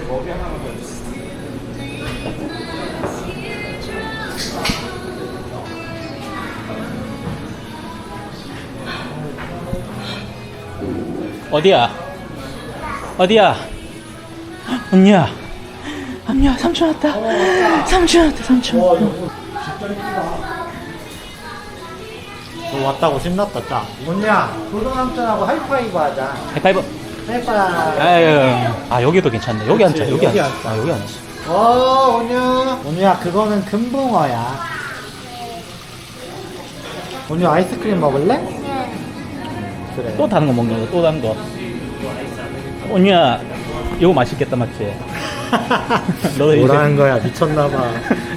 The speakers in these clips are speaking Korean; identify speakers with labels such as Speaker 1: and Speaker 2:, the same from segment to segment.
Speaker 1: 머리 하나만 더 주세요.
Speaker 2: 어디야? 어디야? 언니야. 언니야, 삼촌 왔다. 삼촌 왔다, 삼촌.
Speaker 3: 너 왔다고 신났다, 짱. 언니야, 도도남편하고 하이파이브 하자.
Speaker 2: 하이파이브.
Speaker 3: 하이파이브.
Speaker 2: 아유, 아, 여기도 괜찮네. 여기 앉자, 여기
Speaker 3: 여기
Speaker 2: 앉자.
Speaker 3: 앉자.
Speaker 2: 아, 여기 앉자.
Speaker 3: 온유. 온유야, 그거는 금붕어야. 온유 아이스크림 먹을래? 그래.
Speaker 2: 또 다른 거 먹는 거, 또 다른 거. 언니야, 이거 맛있겠다, 맞지? 너도 이제.
Speaker 3: 뭐라는 거야, 미쳤나봐.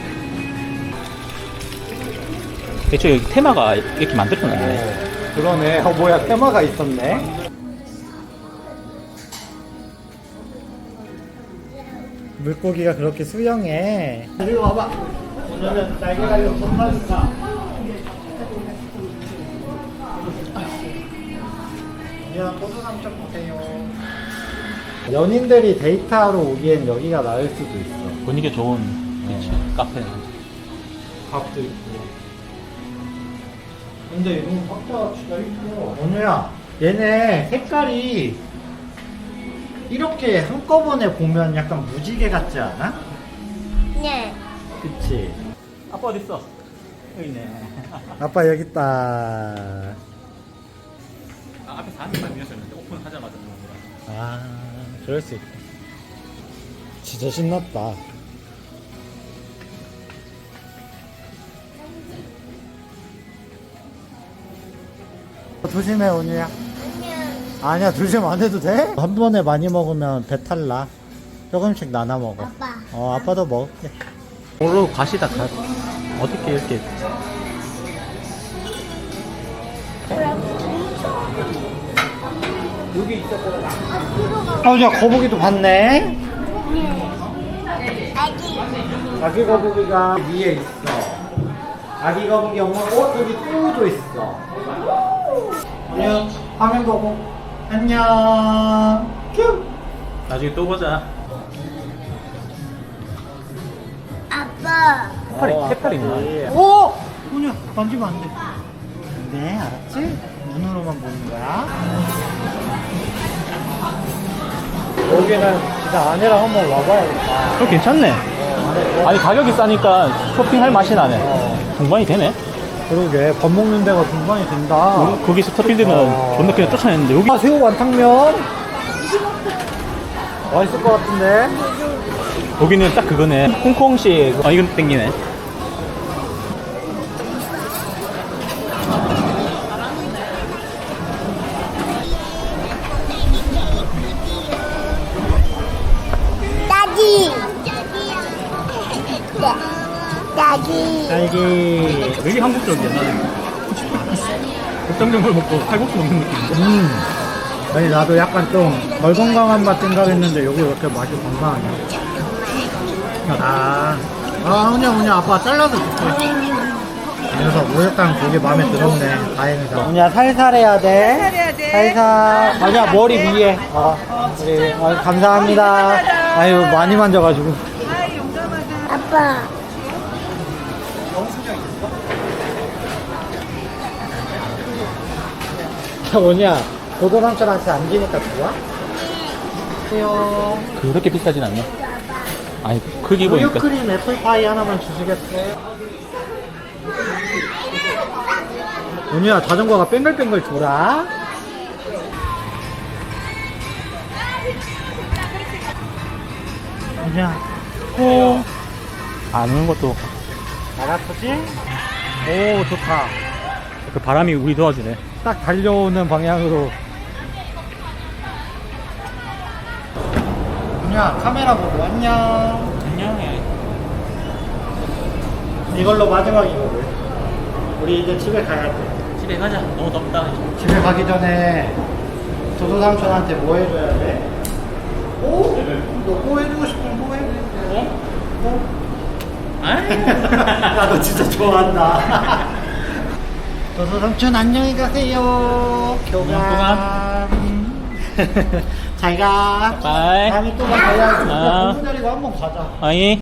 Speaker 2: 대체 여기 테마가 이렇게 만들어놨네.
Speaker 3: 그러네. 뭐야, 테마가 있었네. 물고기가 그렇게 수영해. 이리 와봐. 오늘은 날개가리로 돈 받을까? 그냥 도도남쪽 보세요. 연인들이 데이트하러 오기엔 여기가 나을 수도 있어.
Speaker 2: 분위기 좋은, 그치, 카페.
Speaker 3: 밥도 있고. 근데 이거 각자 진짜 이뻐. 원우야, 얘네 색깔이 이렇게 한꺼번에 보면 약간 무지개 같지 않아?
Speaker 4: 네.
Speaker 3: 그치?
Speaker 2: 아빠 어딨어? 여기 있네.
Speaker 3: 아빠 여기 있다.
Speaker 2: 아, 앞에 사람이 미었었는데 오픈하자마자 들어온 거야.
Speaker 3: 아, 그럴 수 있다. 진짜 신났다. 조심해, 온유야. 아니야, 조심 안 해도 돼? 한 번에 많이 먹으면 배탈 나. 조금씩 나눠 먹어.
Speaker 4: 아빠.
Speaker 3: 아빠도 먹을게.
Speaker 2: 도로 가시다 가. 어떻게 이렇게.
Speaker 3: 여기 있었거든. 야, 거북이도 봤네.
Speaker 4: 아기.
Speaker 3: 아기 거북이가 위에 있어. 아기 거북이 엄마, 여기 뚜우도 있어. 안녕. 화면 보고. 안녕. 큐.
Speaker 2: 나중에 또 보자.
Speaker 4: 아빠.
Speaker 2: 해파리 있나?
Speaker 3: 오! 뭐냐? 만지면 안 돼. 네, 알았지? 눈으로만 보는 거야. 여기는 진짜 아내랑 한번 와봐야겠다.
Speaker 2: 그거 괜찮네. 아니, 가격이 싸니까 쇼핑할 맛이 나네. 공간이 되네.
Speaker 3: 그러게, 밥 먹는 데가 중간이 된다.
Speaker 2: 거기 스타필드는 존나 그냥 쫓아냈는데, 여기.
Speaker 3: 아, 새우 완탕면? 맛있을 것 같은데?
Speaker 2: 여기는 딱 그거네. 홍콩식. 아, 이건 땡기네.
Speaker 4: 딸기. 딸기.
Speaker 3: 딸기.
Speaker 2: 되게 한국적이야, 나는. 국장전골 먹고 칼국수 먹는 느낌.
Speaker 3: 아니, 나도 약간 좀 덜 건강한 맛 생각했는데, 여기 왜 이렇게 맛이 건강하냐? 훈이야, 아빠 잘라서 줄게. 그래서 목욕탕 되게 마음에 들었네. 다행이다. 훈이야, 살살 해야 돼. 살살. 아니야, 머리 위에. 그래. 감사합니다. 아유, 많이 만져가지고.
Speaker 4: 아빠.
Speaker 3: 원이야, 도도남편한테 안기니까 좋아?
Speaker 2: 그렇게 비싸진 않네. 아니, 크기 보니까.
Speaker 3: 우유크림 애플파이 하나만 주시겠어요? 원이야, 자전거가 뺑글뺑글 돌아. 원이야,
Speaker 2: 안 오는 것도.
Speaker 3: 알았지? 오, 좋다.
Speaker 2: 그 바람이 우리 도와주네.
Speaker 3: 딱 달려오는 방향으로. 원이야, 카메라 보고 안녕.
Speaker 2: 안녕해.
Speaker 3: 이걸로 마지막이거든. 우리 이제 집에 가야 돼.
Speaker 2: 집에 가자. 너무 덥다.
Speaker 3: 집에 가기 전에 도도삼촌한테 뭐 해줘야 돼? 오? 너 뭐 해주고 싶으면 뭐 해? 나도 진짜 좋아한다. 도도삼촌 안녕히 가세요. 교감. 잘 가.
Speaker 2: 바이.
Speaker 3: 다음에 또 봐야지.
Speaker 2: 아.
Speaker 3: 공부 자리고 한번 가자.
Speaker 2: 아이.